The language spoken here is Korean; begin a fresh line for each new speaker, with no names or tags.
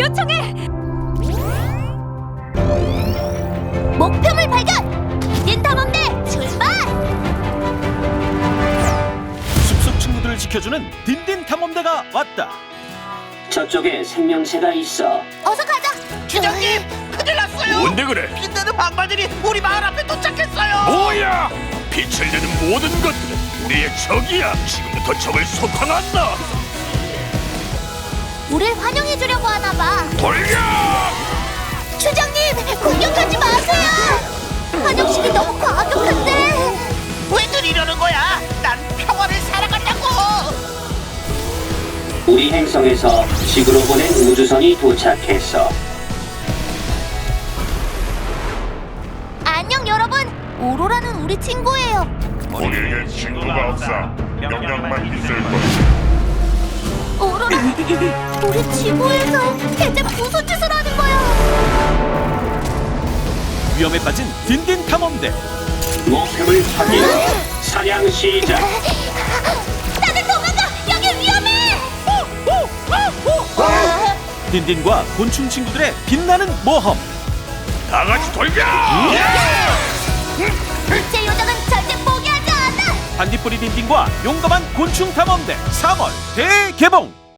요청해!
목표물 발견! 딘딘 탐험대 출발!
숲속 친구들을 지켜주는 딘딘 탐험대가 왔다.
저쪽에 생명체가 있어.
어서 가자!
주장님, 큰일 났어요.
뭔데 그래?
빛나는 방발들이 우리 마을 앞에 도착했어요.
뭐야? 빛을 내는 모든 것들은 우리의 적이야. 지금부터 적을 소탕한다.
우릴 환영해주려고 하나봐.
돌려!
추장님, 공격하지 마세요! 환영식이 너무 과격한데!
왜들 이러는 거야? 난 평화를 살아간다고.
우리 행성에서 지구로 보낸 우주선이 도착했어.
안녕 여러분! 오로라는 우리 친구예요.
우리에게 친구가 없어. 영향만 있을 뿐.
오로라, 우리 지구에서 대체 무슨 짓을 하는 거야?
위험에 빠진 딘딘 탐험대.
목표물 확인. 사냥 시작.
다들 도망가! 여기 위험해!
딘딘과 곤충 친구들의 빛나는 모험.
다 같이 돌려!
제 요정은 절대 포기하지 않아!
반딧불이 딘딘과 용감한 곤충 탐험대 3월 대개봉.